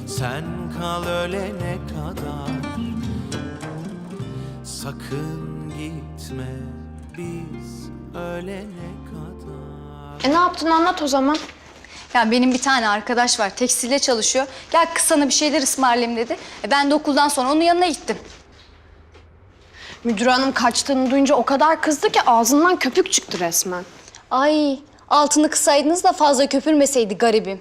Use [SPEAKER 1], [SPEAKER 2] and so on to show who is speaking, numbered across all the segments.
[SPEAKER 1] Sen kal ölene kadar. Sakın gitme biz ölene kadar.
[SPEAKER 2] Ne yaptın anlat o zaman.
[SPEAKER 3] Ya benim bir tane arkadaş var, tekstilde çalışıyor. Gel kız sana bir şeyler ısmarlayayım dedi. Ben de okuldan sonra onun yanına gittim.
[SPEAKER 2] Müdür hanım kaçtığını duyunca o kadar kızdı ki ağzından köpük çıktı resmen.
[SPEAKER 3] Ay, altını kısaydınız da fazla köpürmeseydi garibim.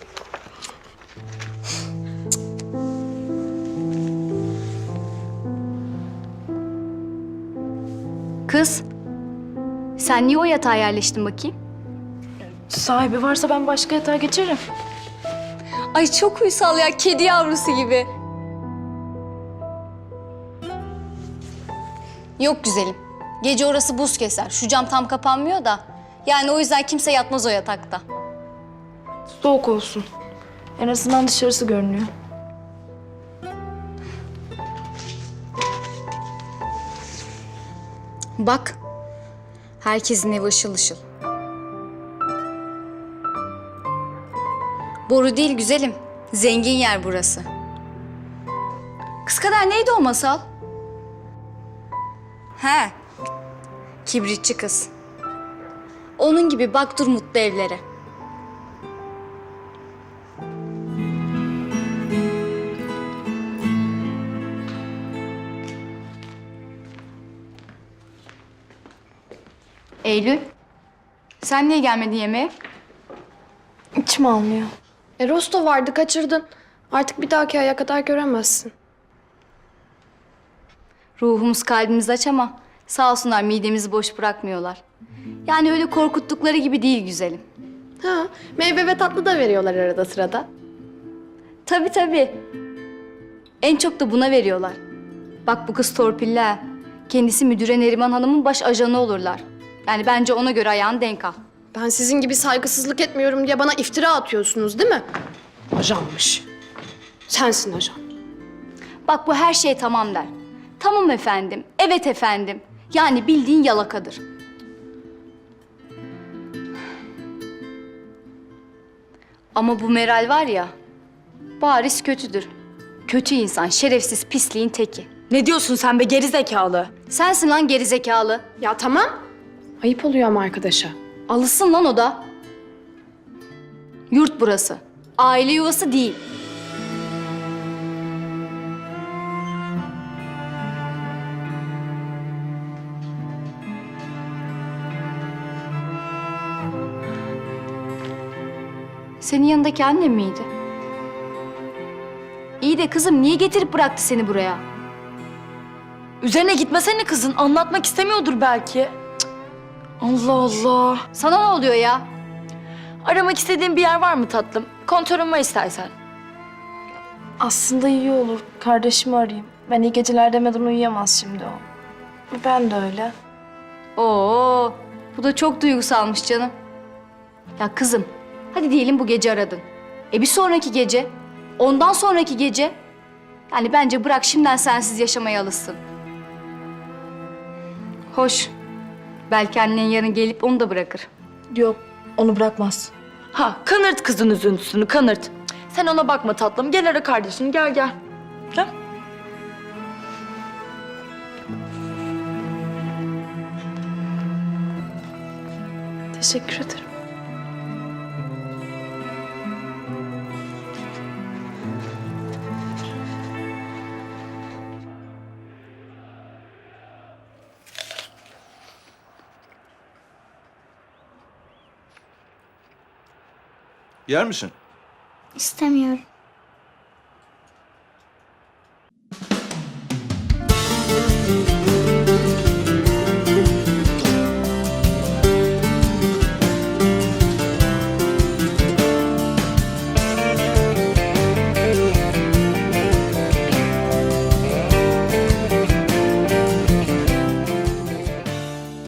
[SPEAKER 3] Kız, sen niye o yatağa yerleştin bakayım?
[SPEAKER 4] Sahibi varsa ben başka yatağa geçerim.
[SPEAKER 3] Ay çok uysal ya, kedi yavrusu gibi. Yok güzelim, gece orası buz keser. Şu cam tam kapanmıyor da. Yani o yüzden kimse yatmaz o yatakta.
[SPEAKER 4] Soğuk olsun. En azından dışarısı görünüyor.
[SPEAKER 3] Bak, herkesin evi ışıl ışıl. Boru değil güzelim, zengin yer burası. Kız kadar neydi o masal? He, kibritçi kız. Onun gibi bak dur mutlu evlere. Eylül, sen niye gelmedin yemeğe?
[SPEAKER 4] İçim almıyor.
[SPEAKER 2] Rosto vardı kaçırdın. Artık bir dahaki aya kadar göremezsin.
[SPEAKER 3] Ruhumuz kalbimiz aç ama sağ olsunlar midemizi boş bırakmıyorlar. Yani öyle korkuttukları gibi değil güzelim.
[SPEAKER 2] Ha, meyve ve tatlı da veriyorlar arada sırada.
[SPEAKER 3] Tabii tabii. En çok da buna veriyorlar. Bak bu kız torpilli ha. Kendisi müdüre Neriman Hanım'ın baş ajanı olurlar. Yani bence ona göre ayağını denk al.
[SPEAKER 2] Ben sizin gibi saygısızlık etmiyorum diye bana iftira atıyorsunuz değil mi? Ajanmış. Sensin ajan.
[SPEAKER 3] Bak bu her şey tamam der. Tamam efendim, evet efendim. Yani bildiğin yalakadır. Ama bu Meral var ya, bariz kötüdür. Kötü insan, şerefsiz, pisliğin teki.
[SPEAKER 4] Ne diyorsun sen be gerizekalı?
[SPEAKER 3] Sensin lan gerizekalı.
[SPEAKER 2] Ya tamam. Ayıp oluyor ama arkadaşa.
[SPEAKER 3] Alışsın lan o da. Yurt burası. Aile yuvası değil. Senin yanındaki annem miydi? İyi de kızım niye getirip bıraktı seni buraya?
[SPEAKER 4] Üzerine gitmesene kızın. Anlatmak istemiyordur belki. Cık. Allah Allah.
[SPEAKER 3] Sana ne oluyor ya?
[SPEAKER 4] Aramak istediğin bir yer var mı tatlım? Kontörüm var istersen. Aslında iyi olur. Kardeşimi arayayım. Ben iyi geceler demeden uyuyamaz şimdi o. Ben de öyle.
[SPEAKER 3] Oo, bu da çok duygusalmış canım. Ya kızım, hadi diyelim bu gece aradın. Bir sonraki gece, ondan sonraki gece. Yani bence bırak şimdiden sensiz yaşamaya alışsın. Hoş, belki annen yarın gelip onu da bırakır.
[SPEAKER 4] Yok, onu bırakmaz. Ha, kanırt kızın üzüntüsünü, kanırt. Cık, sen ona bakma tatlım. Gel ara kardeşini, gel gel. Gel. Teşekkür ederim.
[SPEAKER 1] Yer misin?
[SPEAKER 5] İstemiyorum.